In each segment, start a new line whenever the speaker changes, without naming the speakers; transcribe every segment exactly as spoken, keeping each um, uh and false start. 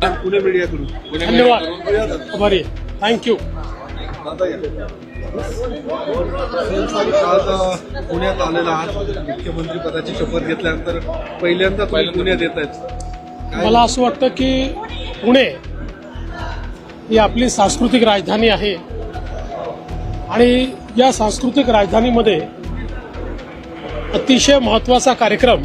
पुणे मीडियाकडून
धन्यवाद आभारी थँक्यू.
आज पुण्यात आलेला आज मुख्यमंत्री पदाची शपथ घेतल्यानंतर पहिल्यांदा तुम्ही पुण्यात येत आहेत.
मला असं वाटतं की पुणे ही आपली सांस्कृतिक राजधानी आहे आणि या सांस्कृतिक राजधानीमध्ये अतिशय महत्त्वाचा कार्यक्रम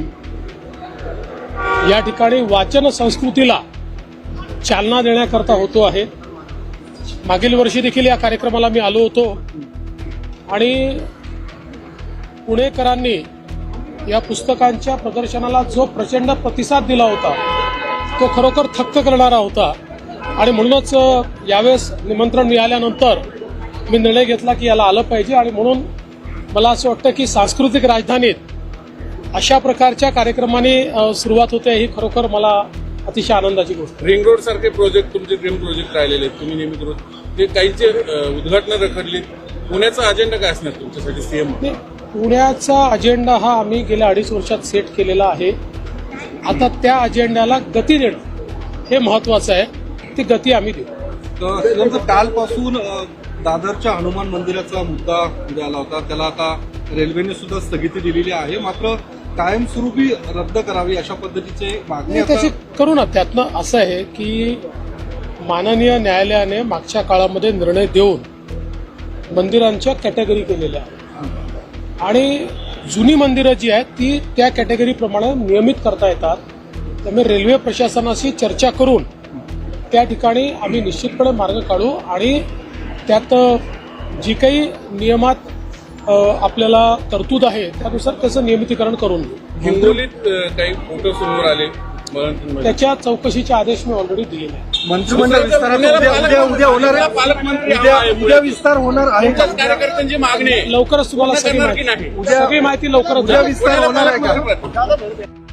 या ठिकाणी वाचन संस्कृतीला चालना देण्याकरता होतो आहे. मागील वर्षी देखील या कार्यक्रमाला मी आलो होतो आणि पुणेकरांनी या पुस्तकांच्या प्रदर्शनाला जो प्रचंड प्रतिसाद दिला होता तो खरोखर थक्क करणारा होता आणि म्हणूनच यावेळेस निमंत्रण मिळाल्यानंतर मी निर्णय घेतला की याला आलं पाहिजे आणि म्हणून मला असं वाटतं की सांस्कृतिक राजधानीत अशा प्रकारच्या कार्यक्रमाने सुरुवात होते ही खरोखर मला अतिशय आनंदाची गोष्ट.
रिंग रोड सारखे प्रोजेक्ट तुमचे ड्रीम प्रोजेक्ट राहिलेले आहेत, तुम्ही नेहमी करून ते काहीचे उद्घाटन रखडली. पुण्याचा अजेंडा काय असणार तुमच्यासाठी सीएम?
पुण्याचा अजेंडा हा आम्ही गेल्या अडीच वर्षात सेट केलेला आहे. आता त्या अजेंड्याला गती देणं हे महत्वाचं आहे. ती गती आम्ही देऊ.
कालपासून दादरच्या हनुमान मंदिराचा मुद्दा पुढे आला होता, त्याला आता रेल्वेने सुद्धा स्थगिती दिलेली आहे. मात्र कायमस्वरूपी रद्द करावी अशा पद्धतीचे मागणी
त्याची करू ना. त्यातनं असं आहे की माननीय न्यायालयाने मागच्या काळामध्ये निर्णय देऊन मंदिरांच्या कॅटेगरी केलेल्या आहेत आणि जुनी मंदिरं जी आहेत ती त्या कॅटेगरीप्रमाणे नियमित करता येतात. त्यामुळे रेल्वे प्रशासनाशी चर्चा करून त्या ठिकाणी आम्ही निश्चितपणे मार्ग काढू आणि त्यात जी काही नियमात आपल्याला तरतूद आहे त्यानुसार त्याचं नियमितीकरण करून घेऊ.
हिंगोलीत काही फोटो समोर आले,
त्याच्या चौकशीचे आदेश मी ऑलरेडी दिलेले आहेत.
मंत्रिमंडळ विस्तारात उद्या उद्या होणार आहे,
पालकमंत्री
उद्या उद्या विस्तार होणार आहे.
कार्यकर्त्यांची मागणी
लवकरच तुम्हाला सगळी माहिती सगळी माहिती लवकरच
उद्या विस्तार होणार आहे का?